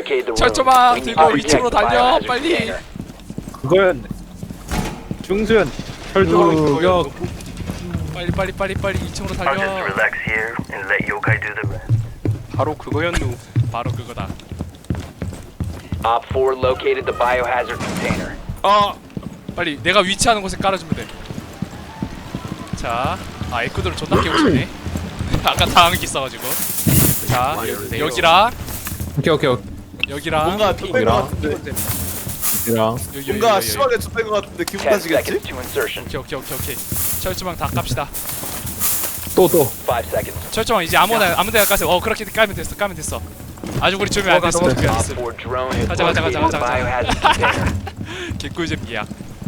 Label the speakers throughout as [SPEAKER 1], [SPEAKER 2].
[SPEAKER 1] Barricade the room.
[SPEAKER 2] 철조망
[SPEAKER 1] We need
[SPEAKER 2] 들고
[SPEAKER 1] to protect
[SPEAKER 2] 2층으로
[SPEAKER 1] the
[SPEAKER 2] 달려
[SPEAKER 1] biohazard
[SPEAKER 2] 빨리.
[SPEAKER 1] container.
[SPEAKER 3] 그거였네. 중수연 철조망
[SPEAKER 2] 빨리 2층으로
[SPEAKER 4] I'll just
[SPEAKER 2] 달려.
[SPEAKER 4] relax here and let Yokai do the rest.
[SPEAKER 5] 바로 그거였누.
[SPEAKER 2] 바로 그거다.
[SPEAKER 1] Op 4 located the biohazard container.
[SPEAKER 2] 빨리 내가 위치하는 곳에 깔아주면 돼. 자, 에코드를 존나 깨고 싶네. 아까 당한 게 있어가지고. 자, 여기랑
[SPEAKER 3] 오케이
[SPEAKER 2] 여기랑
[SPEAKER 6] 뭔가 좆된 거 같은데.
[SPEAKER 3] 이랑
[SPEAKER 2] 여기
[SPEAKER 6] 뭔가 심하게 좆된 거 같은데 기분
[SPEAKER 1] 10
[SPEAKER 6] 탓이겠지?
[SPEAKER 1] seconds to insertion.
[SPEAKER 2] 오케이. 철조망 다 깝시다.
[SPEAKER 3] 또
[SPEAKER 1] 5 seconds.
[SPEAKER 2] 철조망 이제 아무데나 까세요. 그렇게 까면 됐어. 아주 우리 주면 안 됐어.
[SPEAKER 1] Op 4 drone has
[SPEAKER 2] 가자.
[SPEAKER 1] located the biohazard container.
[SPEAKER 2] 개꿀잼 이야.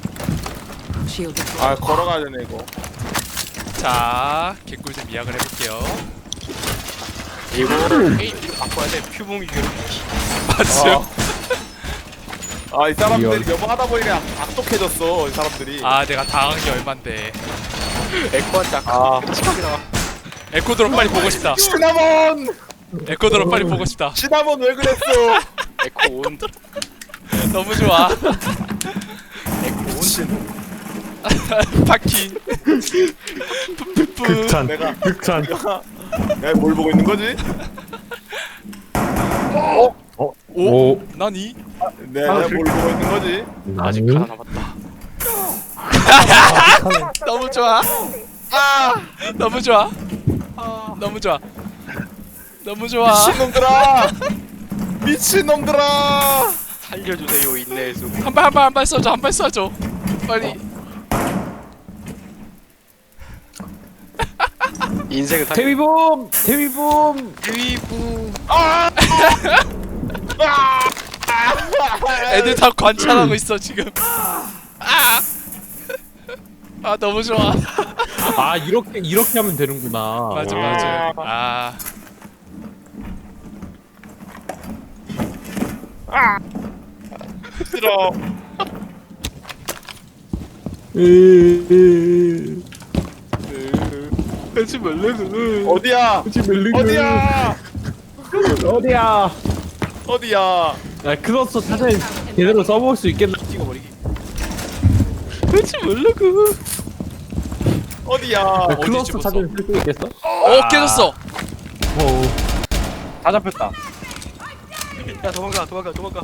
[SPEAKER 6] 아 걸어가야 되네 이거.
[SPEAKER 2] 자, 개꿀잼 이야기를 해볼게요.
[SPEAKER 5] 이거 게임기를 바꿔야 돼. 퓨붕이 괴롭히기.
[SPEAKER 2] 맞죠?
[SPEAKER 6] 아 이 사람들이 여보 하다 보니까 악독해졌어 이 사람들이.
[SPEAKER 2] 아, 내가 당한 게 얼만데.
[SPEAKER 5] 에코한테
[SPEAKER 6] 아.
[SPEAKER 5] 끔찍하다.
[SPEAKER 2] 에코드로 빨리 보고 싶다.
[SPEAKER 6] 시나몬!
[SPEAKER 2] 에코드로 빨리 보고 싶다.
[SPEAKER 6] 시나몬 왜 그랬어?
[SPEAKER 5] 에코 온.
[SPEAKER 2] 너무 좋아.
[SPEAKER 6] 미친.
[SPEAKER 2] 파킹. 푸푸푸.
[SPEAKER 6] 내가
[SPEAKER 3] 극찬
[SPEAKER 6] 내가 뭘 보고 있는 거지?
[SPEAKER 2] 오? 나니?
[SPEAKER 6] 내가 뭘 보고 있는 거지?
[SPEAKER 5] 아직 하나 남았다.
[SPEAKER 2] 너무 좋아. 너무 좋아. 너무 좋아.
[SPEAKER 6] 미친놈들아! 미친놈들아!
[SPEAKER 5] 살려주세요 인내의 수.
[SPEAKER 2] 한 발 쏴줘. 빨리.
[SPEAKER 5] 인생을 살.
[SPEAKER 3] 데뷔봄
[SPEAKER 5] 위부.
[SPEAKER 2] 애들 다 관찰하고 있어 지금. 너무 좋아.
[SPEAKER 3] 아 이렇게 하면 되는구나.
[SPEAKER 2] 맞아.
[SPEAKER 6] 싫어.
[SPEAKER 5] 하지 말래는.
[SPEAKER 6] 어디야? 어디야? 어디야?
[SPEAKER 3] 야 크로스 사전 제대로 써볼 수 있겠나?
[SPEAKER 5] 찍어버리기.
[SPEAKER 3] 하지 말라고.
[SPEAKER 6] 어디야?
[SPEAKER 3] 클로스
[SPEAKER 2] 집었어?
[SPEAKER 3] 사전 쓸 수 있겠어?
[SPEAKER 2] 깨졌어.
[SPEAKER 3] 다 잡혔다.
[SPEAKER 5] 야 도망가.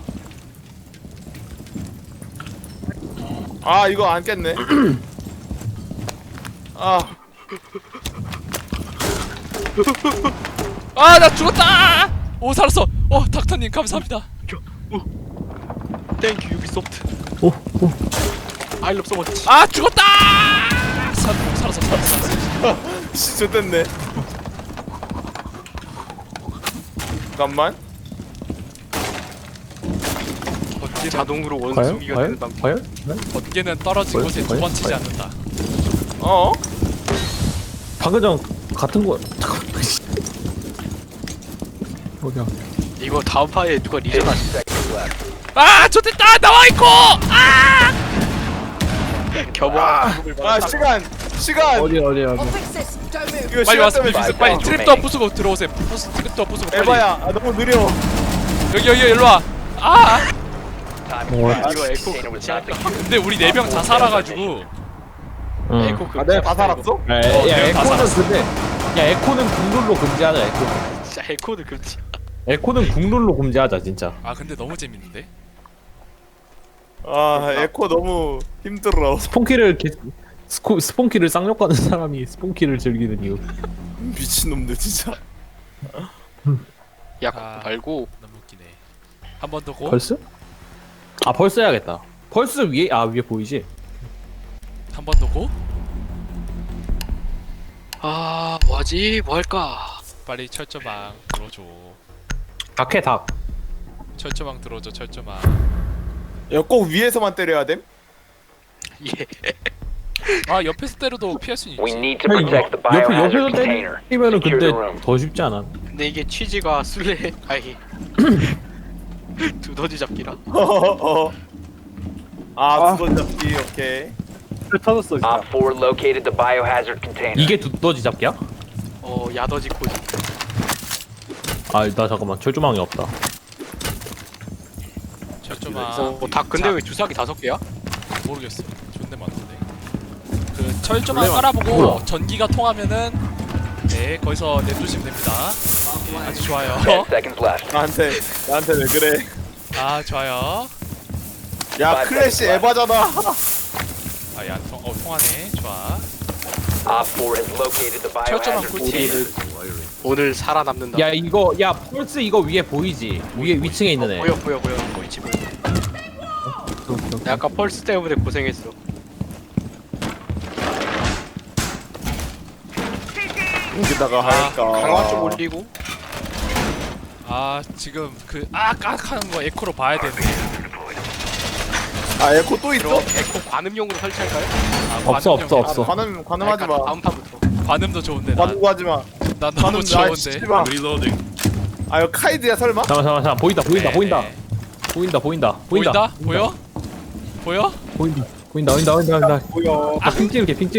[SPEAKER 6] 아 이거 안 깼네. 아
[SPEAKER 2] 나 죽었다. 오, 살았어. 닥터님 감사합니다.
[SPEAKER 5] 땡큐 유비소프트. I love so much.
[SPEAKER 2] 죽었다. 살았어.
[SPEAKER 6] 진짜 됐네. 잠깐만.
[SPEAKER 5] 언제 자동으로 원숭이가 되는 방법.
[SPEAKER 3] 과연?
[SPEAKER 2] 번개는 떨어진
[SPEAKER 3] 뭐야?
[SPEAKER 2] 곳에 두 번 치지 않는다.
[SPEAKER 6] 어?
[SPEAKER 3] 방금 전 같은 거 어디야?
[SPEAKER 5] 이거 다음 파에 누가
[SPEAKER 1] 10
[SPEAKER 5] 리전 하시.
[SPEAKER 1] seconds left.
[SPEAKER 2] 좋됐다. 나와 있고.
[SPEAKER 5] 겨보.
[SPEAKER 6] 아 시간.
[SPEAKER 3] 어디야?
[SPEAKER 6] 이거
[SPEAKER 2] 빨리
[SPEAKER 6] 시간
[SPEAKER 2] 와서
[SPEAKER 6] 때문에
[SPEAKER 2] 비비스 빨리 트랩도 부수고 들어오세요. 트랩도 부수고 빨리.
[SPEAKER 6] 에바야. 아 너무 느려.
[SPEAKER 2] 여기 일로 와.
[SPEAKER 1] Time expires.
[SPEAKER 5] 이거 에코
[SPEAKER 1] Container was not secured.
[SPEAKER 2] 근데 우리 4명 다 살아가지고.
[SPEAKER 5] 에코
[SPEAKER 6] 아 내가 다 살았어?
[SPEAKER 3] 야 에코는 근데 에코는 국룰로 금지하자.
[SPEAKER 5] 진짜 에코드 금지.
[SPEAKER 3] 에코는 국룰로 금지하자 진짜.
[SPEAKER 2] 근데 너무 재밌는데.
[SPEAKER 6] 아 에코 너무 힘들어.
[SPEAKER 3] 스폰키를 쌍욕하는 사람이 스폰키를 즐기는 이유.
[SPEAKER 6] 미친놈들 진짜.
[SPEAKER 5] 야 그거 말고
[SPEAKER 2] 너무 웃기네. 한 번 더 고.
[SPEAKER 3] 벌스? 벌스 해야겠다. 벌스 위에 위에 보이지?
[SPEAKER 2] 한 번 더 고.
[SPEAKER 5] 뭐하지? 뭐 할까?
[SPEAKER 2] 빨리 철조망 들어줘.
[SPEAKER 3] 닭해 닭.
[SPEAKER 2] 철조망 들어줘. 철조망.
[SPEAKER 6] 야 꼭 위에서만 때려야 됨?
[SPEAKER 5] 예.
[SPEAKER 2] 옆에서 때려도 피할 수 있지.
[SPEAKER 1] We need to protect the
[SPEAKER 3] 옆에서
[SPEAKER 1] biohazard container.
[SPEAKER 3] 때리면은
[SPEAKER 1] Secure
[SPEAKER 3] 근데
[SPEAKER 1] the room.
[SPEAKER 3] 더 쉽지 않아?
[SPEAKER 5] 근데 이게 취지가 술래 아니 두더지 잡기라.
[SPEAKER 6] 두번 잡기 오케이.
[SPEAKER 3] 터졌어
[SPEAKER 1] Op 4 located the biohazard container.
[SPEAKER 3] 이게 두더지 잡기야?
[SPEAKER 5] 야더지 코지.
[SPEAKER 3] 나 잠깐만 철조망이 없다.
[SPEAKER 2] 철조망
[SPEAKER 5] 다 근데 왜 주사기 5개야?
[SPEAKER 2] 모르겠어. 존내 많던데. 그 철조망 깔아보고 전기가 통하면은 네 거기서 내두시면 됩니다. 아주 좋아요.
[SPEAKER 1] 10 seconds left.
[SPEAKER 6] 나한테 왜 그래?
[SPEAKER 2] 아 좋아요.
[SPEAKER 6] 야 클래시 에바잖아.
[SPEAKER 2] 아야 통하네. 좋아.
[SPEAKER 1] Op 4 has located the
[SPEAKER 2] 철조망
[SPEAKER 1] biohazard
[SPEAKER 2] 꿀팁.
[SPEAKER 1] container.
[SPEAKER 5] 오늘 살아남는다.
[SPEAKER 3] 야 이거 야 펄스 이거 위에 보이지? 위에 위층에 있는 애.
[SPEAKER 5] 보여 보이지 보여. 나 아까 펄스 때문에 고생했어.
[SPEAKER 6] 여기다가 할까?
[SPEAKER 5] 강화 좀 올리고.
[SPEAKER 2] 아 지금 그 깍하는 거 에코로 봐야 되네.
[SPEAKER 6] 아 에코 또 있어?
[SPEAKER 5] 그럼 에코 관음용으로 설치할까요?
[SPEAKER 3] 없어.
[SPEAKER 6] 관음하지 마.
[SPEAKER 5] 다음 판부터.
[SPEAKER 2] 관음도 좋은데 난
[SPEAKER 6] 관음하지 마.
[SPEAKER 2] 너무 좋은데.
[SPEAKER 6] 씨 마. 아 이거 카이드야 설마?
[SPEAKER 3] 잠깐 보인다.
[SPEAKER 2] 네.
[SPEAKER 3] 보인다.
[SPEAKER 2] 보인다? 보여?
[SPEAKER 3] 보인다.
[SPEAKER 6] 뭐야?
[SPEAKER 3] 아, 핑 찍을게. 핑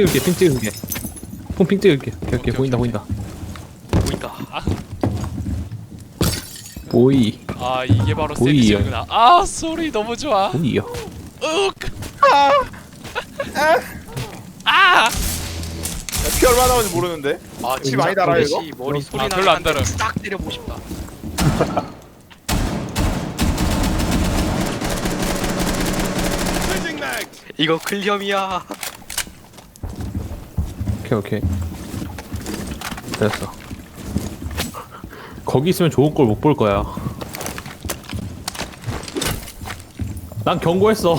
[SPEAKER 3] 찍을게. 오케이. 보인다.
[SPEAKER 5] 보인다.
[SPEAKER 3] 보이.
[SPEAKER 2] 아 이게 바로
[SPEAKER 3] 보이요.
[SPEAKER 2] 세미지구나. 아 소리 너무 좋아.
[SPEAKER 3] 보이요.
[SPEAKER 2] 윽. 아.
[SPEAKER 6] 피 얼마 나오는지 모르는데.
[SPEAKER 5] 아
[SPEAKER 6] 피 많이 달아요, 이거?
[SPEAKER 5] 머리 소리
[SPEAKER 2] 아, 별로 안 달아요.
[SPEAKER 5] 딱 때려보고 싶다. 이거 클리엄이야.
[SPEAKER 3] 오케이. 됐어. 거기 있으면 좋은 걸 못 볼 거야. 난 경고했어.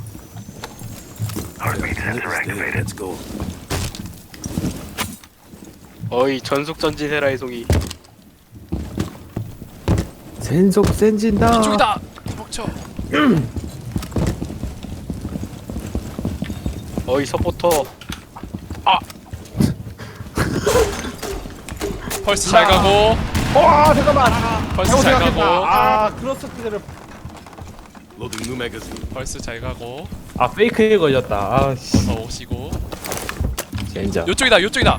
[SPEAKER 5] 어이 전속 전진해라의 송이.
[SPEAKER 3] 센속 센진다.
[SPEAKER 2] 이쪽이다. 멈춰.
[SPEAKER 5] 어이 서포터.
[SPEAKER 2] 펄스 잘 가고.
[SPEAKER 6] 와 잠깐만.
[SPEAKER 2] 펄스 잘 가고.
[SPEAKER 6] 아 크로스 키드를.
[SPEAKER 2] 펄스 잘 가고.
[SPEAKER 3] 아 페이크에 걸렸다. 아 씨.
[SPEAKER 2] 어서 오시고.
[SPEAKER 3] 젠장.
[SPEAKER 2] 요쪽이다.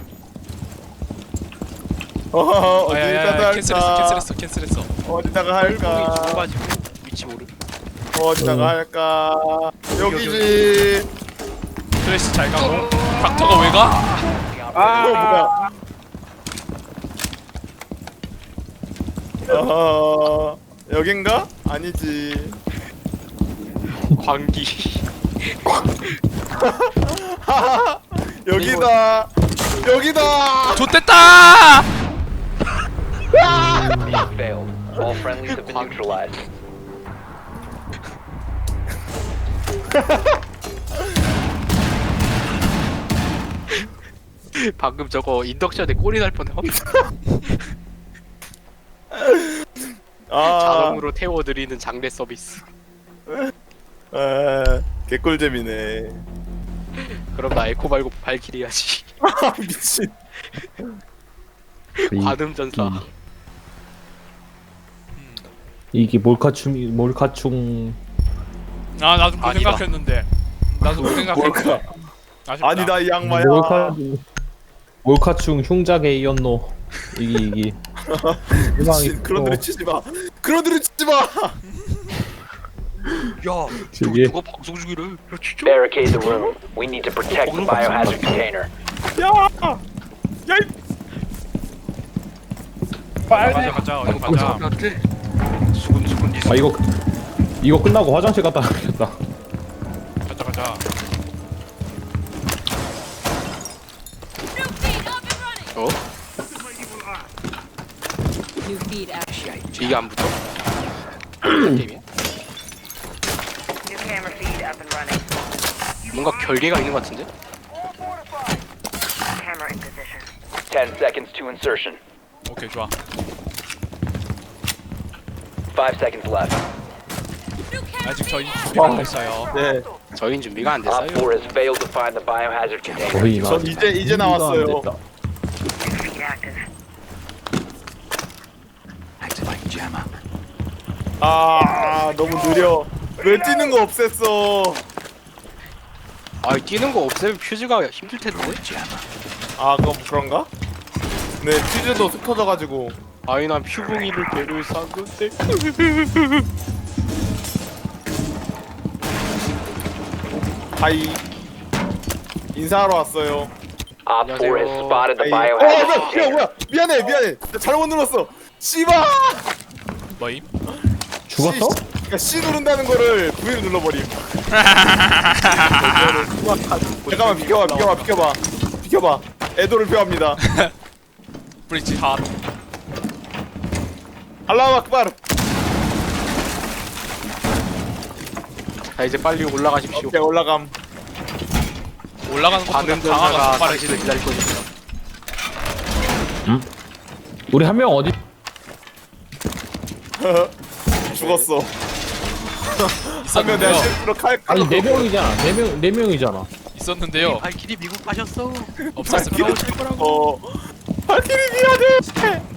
[SPEAKER 6] 어디다가
[SPEAKER 2] 캔슬했어.
[SPEAKER 6] 어디다가
[SPEAKER 5] 똥이
[SPEAKER 6] 할까?
[SPEAKER 5] 죽어가지고 위치 모르.
[SPEAKER 6] 어디다가 할까? 여기지.
[SPEAKER 2] 클래시 잘 가고. 닥터가 왜 가?
[SPEAKER 6] 뭐야? 여긴가? 아니지.
[SPEAKER 5] 광기.
[SPEAKER 6] 여기다.
[SPEAKER 2] 좋댔다.
[SPEAKER 1] Failed. All friendlies have been neutralized.
[SPEAKER 5] 방금 저거 인덕션에 꼴이 날 뻔해.
[SPEAKER 6] 아,
[SPEAKER 5] 자동으로 태워드리는 장례 서비스.
[SPEAKER 6] 개꿀잼이네.
[SPEAKER 5] 그럼 나 에코 말고 발키리 해야지.
[SPEAKER 6] 미친.
[SPEAKER 5] 관음 전사.
[SPEAKER 3] 이게 몰카충.
[SPEAKER 2] 아 나도 그
[SPEAKER 5] 아니다.
[SPEAKER 2] 생각했는데.
[SPEAKER 6] 뭘까?
[SPEAKER 2] 아쉽다.
[SPEAKER 6] 아니다 이 양마야.
[SPEAKER 3] 몰카충 흉작에 이었노. 이기.
[SPEAKER 6] 미친. 그런 들이 치지 마.
[SPEAKER 5] 야,
[SPEAKER 3] 저기.
[SPEAKER 5] 누가 방송 중이래? 야 진짜.
[SPEAKER 1] Barricade the room. We need to protect the biohazard container.
[SPEAKER 2] 가자. 어디 가자.
[SPEAKER 5] 수근수근
[SPEAKER 3] 아 이거 끝나고 화장실 갔다 와야겠다.
[SPEAKER 2] 가자.
[SPEAKER 5] 어?
[SPEAKER 7] New feed action.
[SPEAKER 5] 이게 안 붙어? 게임이야?
[SPEAKER 8] New camera feed up and running.
[SPEAKER 5] 뭔가 결계가 있는 것 같은데?
[SPEAKER 8] Camera in position.
[SPEAKER 1] 10 seconds to insertion.
[SPEAKER 2] 오케이 좋아.
[SPEAKER 1] 5 seconds left.
[SPEAKER 2] 아직 저희 준비가 안 됐어요.
[SPEAKER 6] 네.
[SPEAKER 5] 저희는 준비가 안
[SPEAKER 1] Op 4
[SPEAKER 5] 됐어요.
[SPEAKER 1] has failed to find the biohazard container.
[SPEAKER 3] 거의
[SPEAKER 6] 전 이제 나왔어요.
[SPEAKER 8] New feed active.
[SPEAKER 6] 아 너무 느려. 왜 뛰는 거 없앴어?
[SPEAKER 5] 아 뛰는 거 없애면 퓨즈가 힘들 텐데?
[SPEAKER 6] 아 그럼 그런가? 네 퓨즈도 흩어져가지고.
[SPEAKER 5] 아니 난 퓨붕이를 배를 산 건데.
[SPEAKER 6] 하이. 인사하러 왔어요.
[SPEAKER 1] Op 4 has spotted the
[SPEAKER 6] 하이.
[SPEAKER 1] biohazard
[SPEAKER 6] 뭐야,
[SPEAKER 1] container.
[SPEAKER 6] 뭐야. 미안해. 나 잘못 눌렀어. 씨발!
[SPEAKER 2] 뭐임?
[SPEAKER 3] 죽었어?
[SPEAKER 6] 그러니까 C 누른다는 거를 V로 눌러버림. 잠깐만 비켜봐. 애도를 표합니다.
[SPEAKER 2] 브릿지 핫.
[SPEAKER 6] 알라우 악바르.
[SPEAKER 5] 자 이제 빨리 올라가십시오.
[SPEAKER 6] 오케이 올라감.
[SPEAKER 2] 올라가는 것보다
[SPEAKER 5] 반응
[SPEAKER 2] 강화가
[SPEAKER 5] 전사가
[SPEAKER 2] 더 빠르지.
[SPEAKER 5] 당신을 기다릴 것입니다.
[SPEAKER 3] 우리 한 명 어디?
[SPEAKER 6] 죽었어. 하면 내가
[SPEAKER 2] 있었는데요.
[SPEAKER 6] 실수로 칼
[SPEAKER 3] 아니 4명이잖아. 4명이잖아.
[SPEAKER 2] 있었는데요.
[SPEAKER 5] 발길이 미국 가셨어.
[SPEAKER 2] 없었습니다.
[SPEAKER 6] 발키리 미안해.